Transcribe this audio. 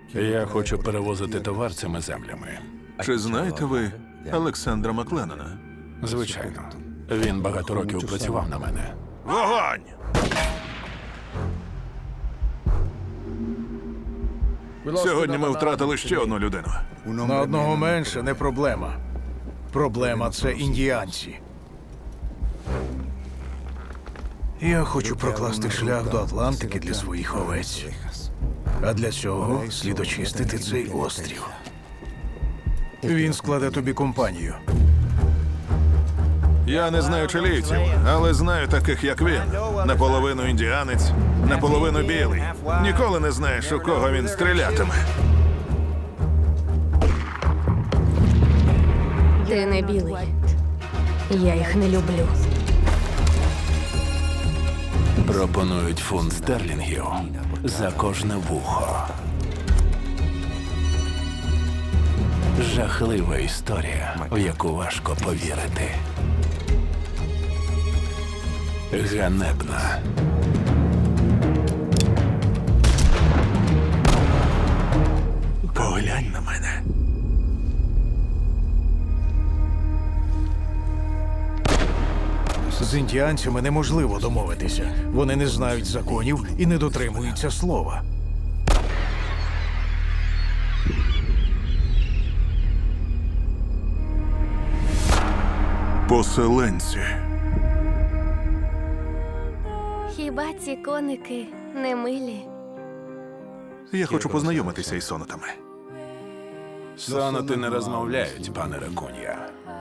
Я хочу перевозити товар цими землями. Чи знаєте ви Олександра Макленнона? Звичайно. Він багато років працював на мене. Вогонь! Сьогодні ми втратили ще одну людину. На одного менше не проблема. Проблема – це індіанці. Я хочу прокласти шлях до Атлантики для своїх овець. А для цього слід очистити цей острів. Він складе тобі компанію. Я не знаю чилійців, але знаю таких, як він. Наполовину індіанець, наполовину білий. Ніколи не знаєш, у кого він стрілятиме. Ти не білий. Я їх не люблю. Пропонують фунт стерлінгів за кожне вухо. Жахлива історія, в яку важко повірити. Ганебна. Поглянь на мене. З індіанцями неможливо домовитися. Вони не знають законів і не дотримуються слова. Поселенці. Хіба ці коники не милі? Я хочу познайомитися із сонатами. Соноти не розмовляють, пане Ракун'я.